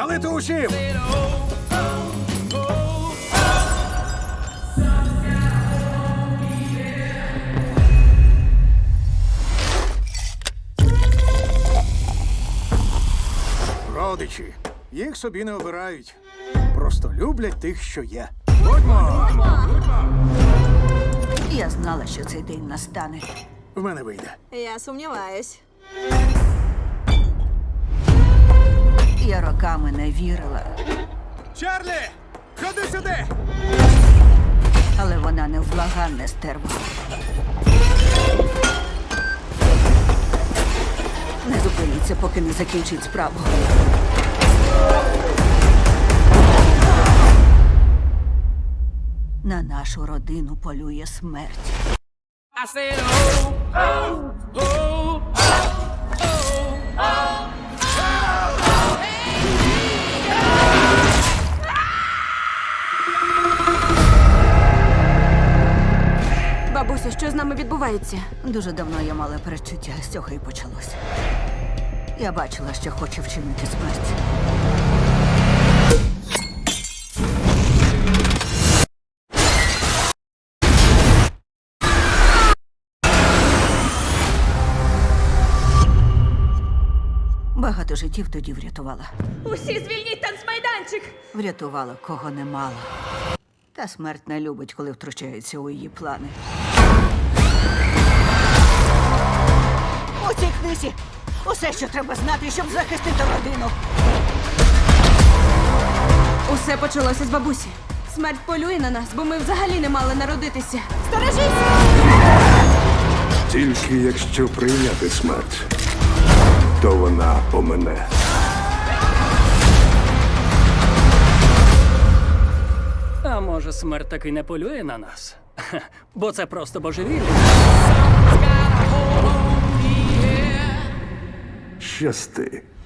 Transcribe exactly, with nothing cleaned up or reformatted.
Але ти усім! Родичі. Їх собі не обирають. Просто люблять тих, що є. Будьмо! Я знала, що цей день настане. В мене вийде. Я сумніваюсь. Я роками не вірила, Чарлі! Ходи сюди! але вона невблаганне стерва. Не зупиніться, поки не закінчить справу. На нашу родину полює смерть. I said, oh, oh, oh, oh, oh. Бабусю, що з нами відбувається? Дуже давно я мала передчуття, з цього і почалось. Я бачила, що хоче вчинити смерть. Багато життів тоді врятувала. Усі звільніть танцмайданчик! Врятувала, кого не мала. Та смерть не любить, коли втручається у її плани. У цій книзі усе, що треба знати, щоб захистити родину. Усе почалося з бабусі. Смерть полює на нас, бо ми взагалі не мали народитися. Сторожись! Тільки якщо прийняти смерть, то вона помине. А може, смерть таки не полює на нас? Хе, бо це просто божевілля. Щасти.